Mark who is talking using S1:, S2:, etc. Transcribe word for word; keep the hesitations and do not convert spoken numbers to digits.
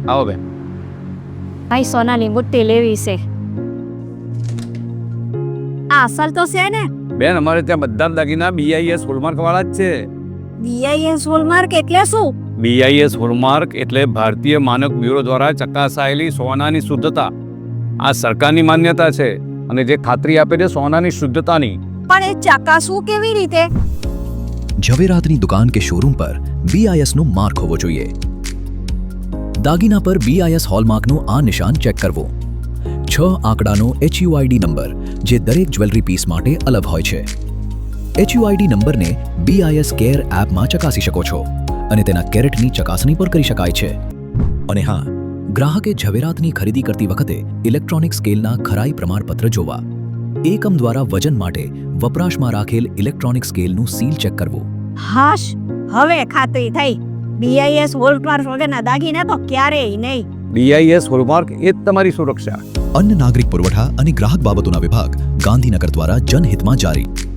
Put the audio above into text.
S1: આવો બેન.
S2: ભાઈ સોનાની બુટ્ટી લેવી છે. આ અસલ તો છે ને?
S1: બેન અમારે ત્યાં બધા જ દાગીના બીઆઈએસ હોલમાર્ક વાળા જ છે.
S2: બીઆઈએસ હોલમાર્ક એટલે શું?
S1: બીઆઈએસ હોલમાર્ક એટલે ભારતીય માનક બ્યુરો દ્વારા ચકાસાયેલી સોનાની શુદ્ધતા. આ સરકારની માન્યતા છે અને જે ખાતરી આપે છે સોનાની શુદ્ધતાની.
S2: પણ એ ચકાસવું કેવી રીતે?
S3: ઝવેરાતની દુકાન કે શોરૂમ પર બીઆઈએસ નું માર્ક હોવો જોઈએ. દાગીના પર બીઆઈએસ હોલમાર્કનું આ નિશાન ચેક કરવું. છ આંકડાનો એચયુઆઈડી નંબર જે દરેક જ્વેલરી પીસ માટે અલગ હોય છે. એચયુઆઈડી નંબરને બીઆઈએસ કેર એપમાં ચકાસી શકો છો અને તેના કેરેટની ચકાસણી પણ કરી શકાય છે. અને હા, ગ્રાહકે ઝવેરાતની ખરીદી કરતી વખતે ઇલેક્ટ્રોનિક સ્કેલના ખરાઈ પ્રમાણપત્ર જોવા. એકમ દ્વારા વજન માટે વપરાશમાં રાખેલ ઇલેક્ટ્રોનિક સ્કેલનું સીલ ચેક કરવું.
S2: હાશ, હવે ખાતરી થઈ. બીઆઈએસ હોલમાર્ક વગરના દાગીના તો ક્યારેય નહીં.
S1: બીઆઈએસ હોલમાર્ક એ જ તમારી સુરક્ષા.
S3: અન્ન નાગરિક પુરવઠા અને ગ્રાહક બાબતોના વિભાગ, ગાંધીનગર દ્વારા જનહિતમાં જારી.